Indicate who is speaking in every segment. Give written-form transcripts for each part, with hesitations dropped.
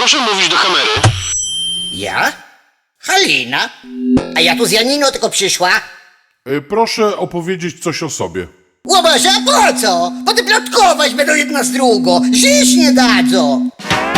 Speaker 1: Proszę mówić do kamery.
Speaker 2: Ja? Halina? A ja tu z Janiną tylko przyszła.
Speaker 3: Proszę opowiedzieć coś o sobie.
Speaker 2: Łobaże, a po co? Potem plotkować będą jedna z drugą. Żyć nie dadzą.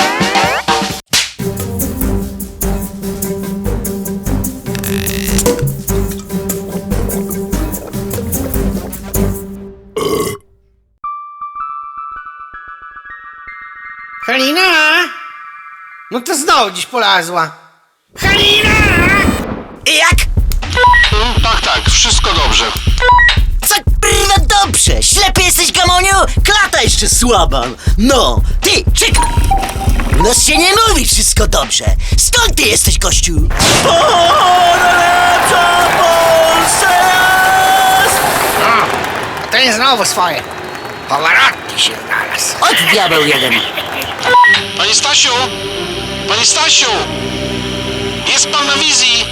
Speaker 4: Halina? No to znowu dziś polazła. Halina!
Speaker 5: Jak?
Speaker 1: Tak, wszystko dobrze.
Speaker 5: Co kurwa dobrze? Ślepy jesteś, Gamoniu? Klata jeszcze słaba. No, ty, czekaj. U nas się nie mówi wszystko dobrze. Skąd ty jesteś, gościu? Najlepsza Polsce jest!
Speaker 4: To jest znowu swoje. Pavarotti się znalazł.
Speaker 5: Od diabeł jeden.
Speaker 1: Panie Stasiu! Panie Stasiu! Jest pan na wizji!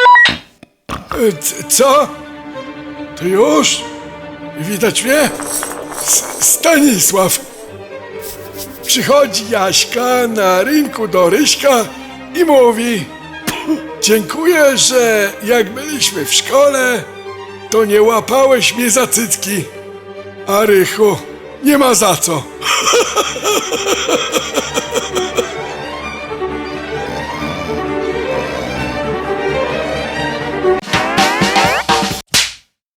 Speaker 6: Co? To już? Widać mnie? Stanisław. Przychodzi Jaśka na rynku do Ryśka i mówi: dziękuję, że jak byliśmy w szkole, to nie łapałeś mnie za cycki. A Rychu, nie ma za co.